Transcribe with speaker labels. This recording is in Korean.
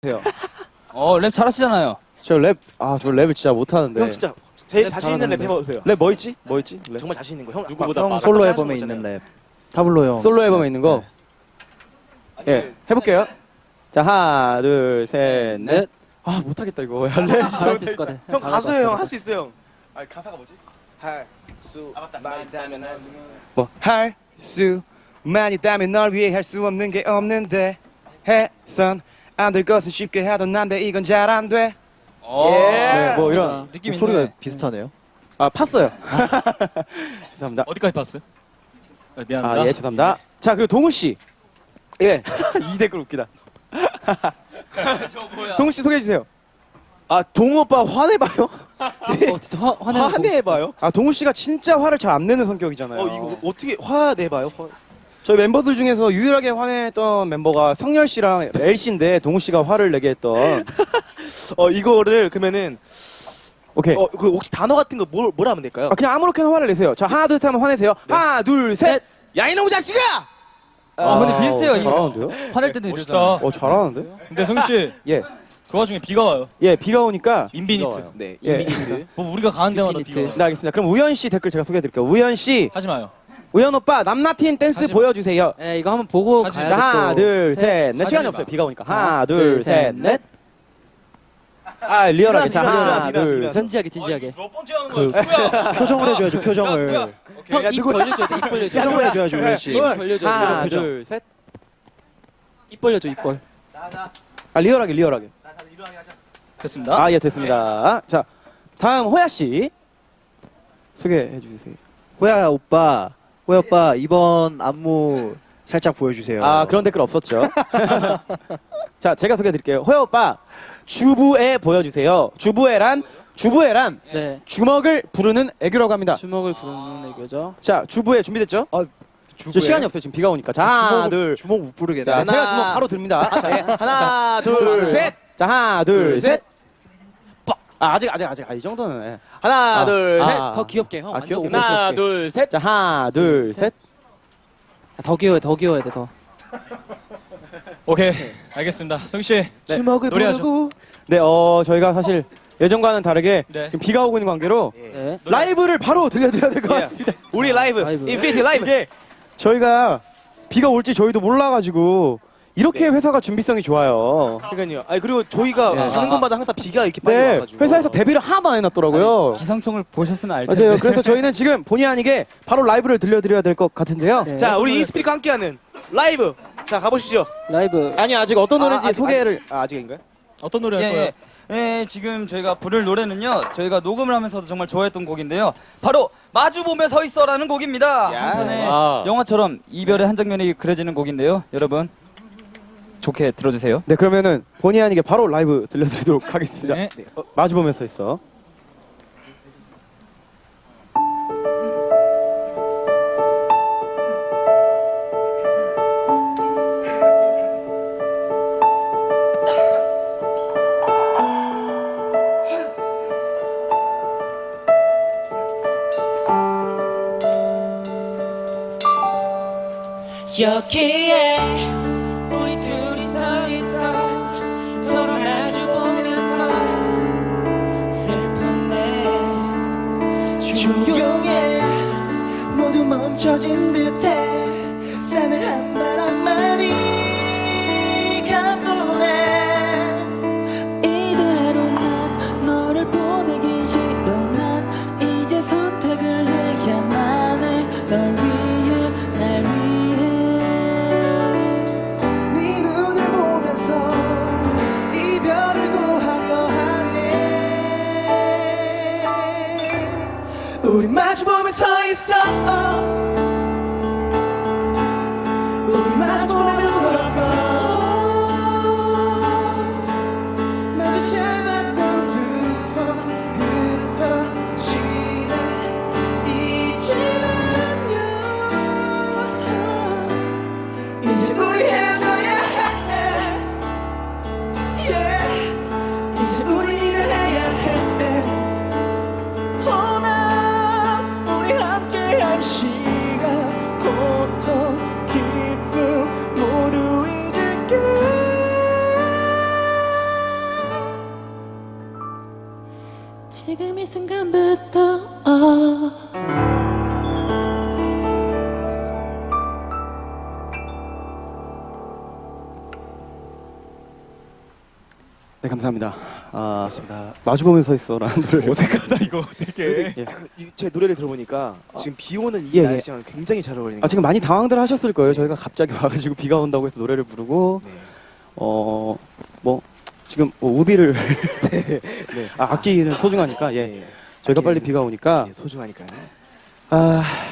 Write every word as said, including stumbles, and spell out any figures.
Speaker 1: 어, 랩 잘하시잖아요.
Speaker 2: 저 랩, 아, 저 랩을 진짜 못하는데.
Speaker 3: 형 진짜 제일
Speaker 2: 랩
Speaker 3: 자신 있는 랩
Speaker 2: 잘하는데.
Speaker 3: 해봐주세요.
Speaker 2: 랩 뭐 있지? 뭐 있지? 랩.
Speaker 3: 정말 자신 있는 거. 형
Speaker 4: 누구보다
Speaker 3: 형
Speaker 4: 빠르다.
Speaker 3: 솔로
Speaker 5: 솔로
Speaker 3: 앨범에
Speaker 5: 앨범에
Speaker 3: 있는
Speaker 5: 있는 랩. 타블로 형.
Speaker 2: 솔로 앨범에 있는 거? 예, 해볼게요. 자, 하나, 둘, 셋, 넷.
Speaker 1: 넷.
Speaker 2: 아, 못하겠다, 이거. 랩
Speaker 1: 잘할 수 있을 것 같아.
Speaker 3: 형
Speaker 1: 잘할 것
Speaker 3: 가수예요. 형
Speaker 1: 같아.
Speaker 3: 할 수 있어요. 형. 아 가사가 뭐지? 할 수 많이 따면 할 수.
Speaker 2: 뭐, 할 수, 많이 따면 널 위해 할 수 없는 게 없는데. 해선 안 될 것은 쉽게 하던 난데 이건 잘 안 돼.
Speaker 1: 어,
Speaker 2: 네, 뭐 이런
Speaker 1: 느낌
Speaker 5: 소리가
Speaker 1: 있네.
Speaker 5: 비슷하네요.
Speaker 2: 아, 팠어요. 죄송합니다.
Speaker 4: 어디까지 봤어요? 아, 미안합니다.
Speaker 2: 아, 예, 죄송합니다. 자, 그리고 동우 씨.
Speaker 3: 예.
Speaker 2: 이 댓글 웃기다.
Speaker 1: 저 뭐야?
Speaker 2: 동우 씨 소개해 주세요.
Speaker 3: 아 동우 오빠 화내봐요.
Speaker 1: 어, 진짜 화, 화내는 거
Speaker 3: 화내봐요.
Speaker 2: 아, 동우 씨가 진짜 화를 잘 안 내는 성격이잖아요.
Speaker 3: 어 이거 어떻게 화내봐요? 화-
Speaker 2: 저희 멤버들 중에서 유일하게 화냈던 멤버가 성열 씨랑 엘 씨인데 동우 씨가 화를 내게 했던.
Speaker 3: 어 이거를 그러면은
Speaker 2: 오케이.
Speaker 3: 어 그 혹시 단어 같은 거 뭘 뭐라 하면 될까요?
Speaker 2: 아, 그냥 아무렇게나 화를 내세요. 자, 하나 둘 셋 하면 화내세요.
Speaker 3: 네.
Speaker 2: 하나 둘 셋.
Speaker 3: 야 이놈의 자식아!
Speaker 1: 아, 근데 비슷해요, 이거.
Speaker 2: 잘하는데요?
Speaker 1: 화낼 때도
Speaker 4: 멋있다.
Speaker 1: 이러잖아.
Speaker 2: 어, 잘하는데?
Speaker 4: 근데 성희 씨,
Speaker 2: 예,
Speaker 4: 그 와중에 비가 와요.
Speaker 2: 예, 비가 오니까.
Speaker 4: 인비니트.
Speaker 3: 네
Speaker 2: 예.
Speaker 3: 인비니트.
Speaker 4: 뭐 우리가 가는 데마다
Speaker 1: 인비니트.
Speaker 4: 비가 와요.
Speaker 2: 네, 알겠습니다. 그럼 우현 씨 댓글 제가 소개해드릴게요. 우현 씨,
Speaker 4: 하지 마요.
Speaker 2: 우현 오빠 남나틴 댄스
Speaker 4: 하지 마.
Speaker 2: 보여주세요.
Speaker 1: 예, 이거 한번 보고
Speaker 4: 하지
Speaker 2: 자,
Speaker 1: 가야죠.
Speaker 2: 하나
Speaker 1: 또.
Speaker 2: 둘 셋 넷.
Speaker 4: 하지
Speaker 2: 시간이
Speaker 4: 마.
Speaker 2: 없어요. 비가 오니까.
Speaker 1: 자,
Speaker 2: 하나
Speaker 1: 둘,
Speaker 2: 둘
Speaker 1: 셋,
Speaker 2: 셋 넷. 아, 리얼하게. 자,
Speaker 3: 일어나서,
Speaker 2: 하나
Speaker 3: 일어나서,
Speaker 2: 둘
Speaker 3: 일어나서.
Speaker 2: 셋.
Speaker 1: 진지하게, 진지하게.
Speaker 4: 몇 번째 하는
Speaker 5: 그-
Speaker 4: 거야? 누구야?
Speaker 5: 표정을 해줘야죠. 표정을.
Speaker 4: 오케이.
Speaker 1: 형, 입 벌려줘야 돼, 입 벌려줘.
Speaker 5: 표정을 해줘야죠, 우현 씨.
Speaker 1: 입 벌려줘.
Speaker 2: 하나
Speaker 1: 표정, 표정.
Speaker 2: 둘 셋.
Speaker 1: 입 벌려줘, 입 벌.
Speaker 3: 자자
Speaker 2: 아, 리얼하게 리얼하게.
Speaker 3: 자자 일어나게 하자.
Speaker 4: 됐습니다.
Speaker 2: 아, 예, 됐습니다. 자, 다음 호야 씨 소개해 주세요.
Speaker 5: 호야 오빠, 호야 오빠 이번 안무 살짝 보여주세요.
Speaker 2: 아, 그런 댓글 없었죠. 자, 제가 소개해 드릴게요. 호야 오빠 주부애 보여주세요. 주부애란 주부애란
Speaker 1: 네.
Speaker 2: 주먹을 부르는 애교라고 합니다.
Speaker 1: 주먹을 부르는 애교죠.
Speaker 2: 자, 주부애 준비됐죠?
Speaker 5: 주부예요?
Speaker 2: 저 시간이 없어요. 지금 비가 오니까. 자, 하나,
Speaker 5: 주먹,
Speaker 2: 둘.
Speaker 5: 주먹 못 부르겠네.
Speaker 2: 자, 제가 주먹 바로 듭니다. 자, 예. 하나, 둘, 셋. 자, 하나, 둘, 셋. 빡. 아, 아직 아직 아직 아, 이 정도는. 예. 하나,
Speaker 3: 아,
Speaker 2: 둘,
Speaker 3: 아,
Speaker 2: 셋.
Speaker 1: 더 귀엽게, 형.
Speaker 2: 아,
Speaker 1: 완전
Speaker 2: 귀엽게.
Speaker 1: 오버스럽게.
Speaker 2: 하나,
Speaker 1: 둘, 셋.
Speaker 2: 자, 하나, 둘, 셋.
Speaker 1: 더 귀여워, 더 귀여워야 돼, 더.
Speaker 4: 오케이. 알겠습니다. 성희 씨.
Speaker 3: 주먹을
Speaker 4: 노래하죠.
Speaker 3: 부르고
Speaker 2: 네, 어, 저희가 사실 예전과는 다르게
Speaker 4: 네.
Speaker 2: 지금 비가 오고 있는 관계로
Speaker 1: 네.
Speaker 2: 라이브를 바로 들려드려야 될 것 같습니다.
Speaker 3: 우리 라이브
Speaker 1: 라이브.
Speaker 3: 인피니티 라이브.
Speaker 2: 이게 저희가 비가 올지 저희도 몰라가지고 이렇게 회사가 준비성이 좋아요.
Speaker 3: 그러니까요. 아니 그리고 저희가
Speaker 2: 네.
Speaker 3: 가는 곳마다 항상 비가 이렇게 빨리
Speaker 2: 네,
Speaker 3: 와가지고
Speaker 2: 회사에서 데뷔를 하나도 안 해놨더라고요.
Speaker 1: 기상청을 보셨으면 알 텐데.
Speaker 2: 맞아요. 그래서 저희는 지금 본의 아니게 바로 라이브를 들려드려야 될 것 같은데요.
Speaker 1: 네.
Speaker 3: 자 우리 인스피릿과 함께하는 라이브. 자 가보시죠.
Speaker 1: 라이브.
Speaker 2: 아니, 아직 어떤 노래인지
Speaker 3: 아, 아직-
Speaker 2: 소개를.
Speaker 3: 아 아직인가요?
Speaker 4: 어떤 노래 할
Speaker 6: 예,
Speaker 4: 거예요?
Speaker 6: 예. 예, 지금 저희가 부를 노래는요. 저희가 녹음을 하면서도 정말 좋아했던 곡인데요. 바로 마주 보며 서 있어라는 곡입니다.
Speaker 3: 야.
Speaker 6: 한편의
Speaker 1: 와.
Speaker 6: 영화처럼 이별의 한 장면이 그려지는 곡인데요. 여러분 좋게 들어주세요.
Speaker 2: 네, 그러면은 본의 아니게 바로 라이브 들려드리도록 하겠습니다.
Speaker 4: 네.
Speaker 3: 네. 어,
Speaker 2: 마주 보면서 있어.
Speaker 7: 여기에 우리 둘이 서 있어 서로 마주 보면서 슬픈데 조용해 모두 멈춰진 듯해 산을 한 바람만이 가보네 이대로 난 너를 보내기 싫어 난 이제 선택을 해야만 해널 위해 날 위해 네 눈을 보면서 이별을 고하려 하네 우리 마주 보며 서 있어 우리 마주 보며 울었어 마주치 않았던 두 손 흩어지네 이제는요 이제 우리 헤어져야 해 yeah. 이제 우리 이별해야 해 오늘 우리 함께할 시간
Speaker 8: 지금 이 순간부터 어.
Speaker 2: 네, 감사합니다. 아, 마주보면 서 있어라는 노래를
Speaker 4: 어색하다 이거 되게.
Speaker 2: 예.
Speaker 3: 이- 제 노래를 들어보니까 지금 비 오는 이
Speaker 2: 예, 예.
Speaker 3: 날씨랑 굉장히 잘 어울리는
Speaker 2: 아, 지금 많이 당황들 하셨을 거예요. 저희가 갑자기 와가지고 비가 온다고 해서 노래를 부르고
Speaker 3: 네.
Speaker 2: 어 뭐 지금 뭐 우비를
Speaker 3: 네.
Speaker 2: 아, 악기는 소중하니까 예
Speaker 3: 네.
Speaker 2: 저희가 빨리
Speaker 3: 악기는-
Speaker 2: 비가 오니까
Speaker 3: 예, 소중하니까요.
Speaker 2: 아